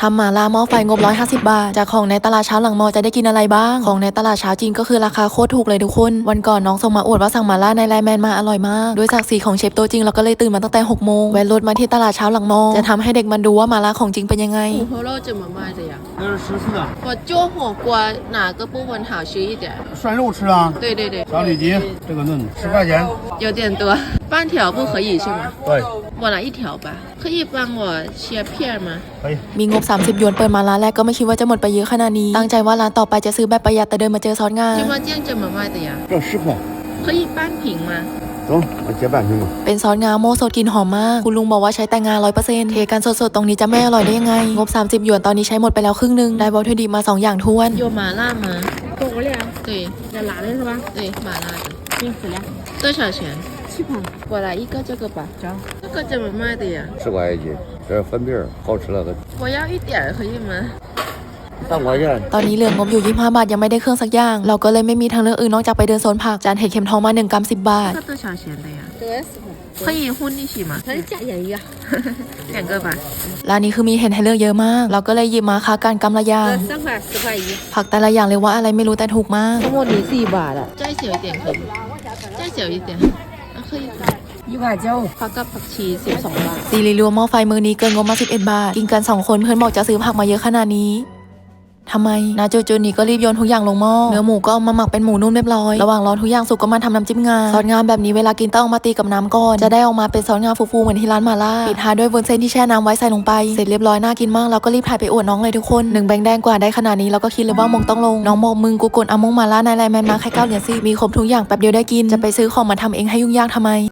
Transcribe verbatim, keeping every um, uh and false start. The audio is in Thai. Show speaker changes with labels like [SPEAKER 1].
[SPEAKER 1] ทำหม่าล่าหม้อไฟงบร้อยห้าสิบบาทจากของในตลาดเช้าหลังมอจะได้กินอะไรบ้างของในตลาดเช้าจีนก็คือราคาโคตรถูกเลยทุกคนวันก่อนน้องส่งมาอวดว่าสั่งหม่าล่าในไลน์แมนมาอร่อยมากด้วยศักดิ์ศรีของเชฟตัวจริงเราก็เลยตื่นมาตั้งแต่หกโมงแวะรถมาที่ตลาดเช้าหลังมอจะทำให้เด็กมันดูว่าหม่าล่าของจริงเป็นยังไง
[SPEAKER 2] 虎头肉怎么卖的呀？
[SPEAKER 3] 那是十四的，
[SPEAKER 2] 我揪火锅哪个部分好吃一点？
[SPEAKER 3] 涮肉吃啊，
[SPEAKER 2] 对对对，
[SPEAKER 3] 小里脊这个嫩十块钱，
[SPEAKER 2] 有点多，半条不可以是吗？
[SPEAKER 3] 对，
[SPEAKER 2] 我来一条吧，可以帮我切片吗？
[SPEAKER 3] 可以。
[SPEAKER 1] มีงบสามสิบหยวนเปิดมาร้านแรกก็ไม่คิดว่าจะหมดไปเยอะขนาดนี้ตั้งใจว่าร้านต่อไปจะซื้อแบบประหยัดแต่เดินมาเจอซอสงา
[SPEAKER 2] 芝麻酱怎么卖的呀？
[SPEAKER 3] 这十块，
[SPEAKER 2] 可以半瓶吗？
[SPEAKER 3] 走，我结半瓶吧。
[SPEAKER 1] เป็นซอสงาโม่สดกลิ่นหอมมากคุณลุงบอกว่าใช้แต่งา ร้อยเปอร์เซ็นต์ เทกันสดๆตรงนี้จะไม่อร่อยได้ยังไงงบสามสิบหยวนตอนนี้ใช้หมดไปแล้วครึ่งนึงได้วัตถุดิบมาสองอย่างท้วน
[SPEAKER 2] 有麻辣吗？
[SPEAKER 4] 火锅料
[SPEAKER 2] 对
[SPEAKER 4] 要辣的是吧？
[SPEAKER 2] 对，麻辣的。
[SPEAKER 4] 行，死了，
[SPEAKER 2] 多少钱？
[SPEAKER 4] 七盘。
[SPEAKER 2] 我来一个这个吧。
[SPEAKER 4] 走。
[SPEAKER 2] 这个怎么卖的呀？
[SPEAKER 5] 十块一斤，这是粉饼儿，好吃了的。
[SPEAKER 2] 我要一点儿可以吗？
[SPEAKER 5] 三块钱。
[SPEAKER 1] ตอนนี้เหลืองบอยู่ยี่สิบห้าบาทยังไม่ได้เครื่องสักอย่างเราก็เลยไม่มีทางเลือกอื่นนอกจากไปเดินโซนผักจานเห็ดเข็มทองมาหนึ่งกรัมสิบบาท
[SPEAKER 2] 这个多少钱的呀？
[SPEAKER 4] 这个十块。
[SPEAKER 2] 可以混一起吗？
[SPEAKER 4] 它是加盐鱼啊。
[SPEAKER 2] 两个吧。
[SPEAKER 1] ร้านนี้คือมีเห็ดให้เลือกเยอะมากเราก็เลยหยิบมาค้ากันกำละอย่าง
[SPEAKER 4] 这三块十块一。
[SPEAKER 1] ผักแต่ละอย่างเลยว่าอะไรไม่รู้แต่ถูกมาก
[SPEAKER 4] ทั้งหมดนี้สี่บาทอ่ะ
[SPEAKER 2] 再小一点可以吗？再小一点。啊，可以。
[SPEAKER 4] 一块九。
[SPEAKER 2] ผักกับผักชีสิบสองบาท
[SPEAKER 1] ซีรีรวมหม้อไฟมือนี้เกินงบมาสิบเอ็ดบาทกินกันสองคนเพื่อนบอกจะซื้อผักมาเยอะขนาดนี้ทำไมนาโจจูนี่ก็รีบโยนทุกอย่างลงหม้อเนื้อหมูก็เอามาหมักเป็นหมูนุ่มเรียบร้อยระหว่างรอทุกอย่างสุกก็มาทำน้ำจิ้มงาซอสงาแบบนี้เวลากินต้องเอามาตีกับน้ำก่อนจะได้ออกมาเป็นซอสงาฟูๆเหมือนที่ร้านมาล่าปิดท้ายด้วยวุ้นเส้นที่แช่น้ำไว้ใส่ลงไปเสร็จเรียบร้อยน่ากินมากเราก็รีบถ่ายไปอวดน้องเลยทุกคนหนึ่งแบงค์แดงกว่าได้ขนาดนี้เราก็คิดเลยว่ามงต้องลงน้องบอกมึงกูกดเอามงมาล่าในไลน์แมนมาแค่เก้าเหรียญสิมีครบทุกอย่างแป๊บเดียวได้กินจะไปซื้อของมาทำเองให้ยุ่งยากทำไม